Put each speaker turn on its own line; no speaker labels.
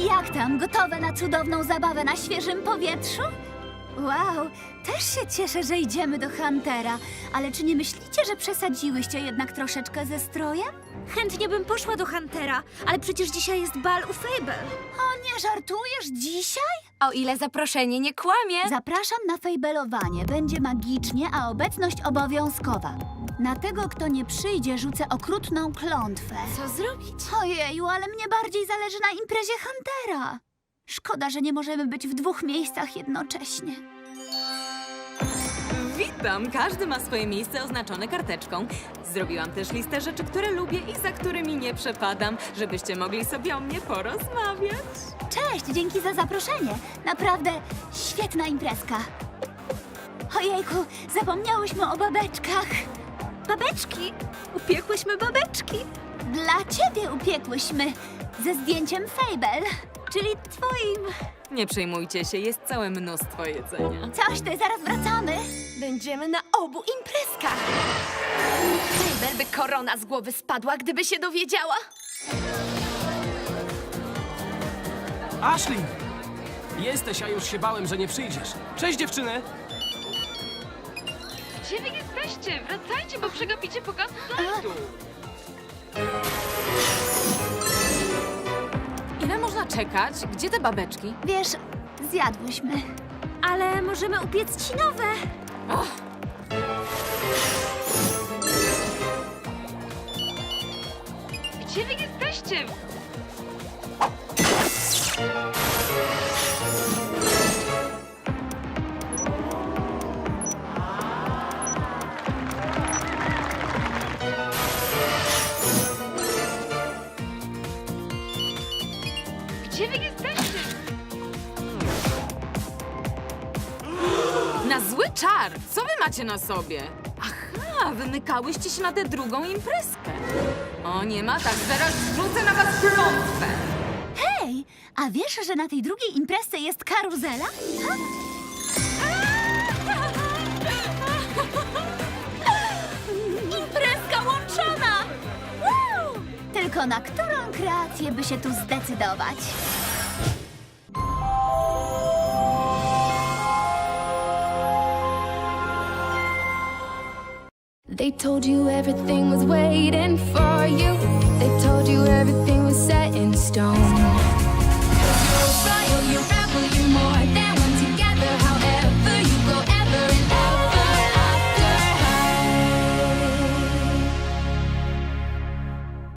Jak tam? Gotowe na cudowną zabawę na świeżym powietrzu? Wow, też się cieszę, że idziemy do Huntera. Ale czy nie myślicie, że przesadziłyście jednak troszeczkę ze strojem?
Chętnie bym poszła do Huntera, ale przecież dzisiaj jest bal u Fable.
O, nie żartujesz dzisiaj?
O ile zaproszenie nie kłamie.
Zapraszam na fejbelowanie. Będzie magicznie, a obecność obowiązkowa. Na tego, kto nie przyjdzie, rzucę okrutną klątwę.
Co zrobić?
Ojeju, ale mnie bardziej zależy na imprezie Huntera. Szkoda, że nie możemy być w 2 miejscach jednocześnie.
Witam! Każdy ma swoje miejsce oznaczone karteczką. Zrobiłam też listę rzeczy, które lubię i za którymi nie przepadam, żebyście mogli sobie o mnie porozmawiać.
Cześć, dzięki za zaproszenie. Naprawdę świetna imprezka. Ojejku, zapomniałyśmy o babeczkach.
Babeczki! Upiekłyśmy babeczki!
Dla ciebie upiekłyśmy. Ze zdjęciem Fable.
Czyli twoim.
Nie przejmujcie się, jest całe mnóstwo jedzenia.
Coś ty, zaraz wracamy.
Będziemy na obu imprezkach. Fable by korona z głowy spadła, gdyby się dowiedziała.
Ashley! Jesteś, a już się bałem, że nie przyjdziesz. Cześć, dziewczyny!
Gdzie wy jesteście? Wracajcie, bo przegapicie pokaz slajdu.
Ile można czekać? Gdzie te babeczki?
Wiesz, zjadłyśmy.
Ale możemy upiec ci nowe.
Gdzie wy jesteście? Gdzie wy jesteście?
Na zły czar! Co wy macie na sobie? Aha, wymykałyście się na tę drugą imprezkę. O, nie ma tak, zaraz rzucę na was klątwę.
Hej, a wiesz, że na tej drugiej imprezce jest karuzela? Ha?
Imprezka łączona! Woo!
Tylko na którą kreację by się tu zdecydować?
They told you everything was waiting for you. They told you everything was set in stone. 'Cause you're a royal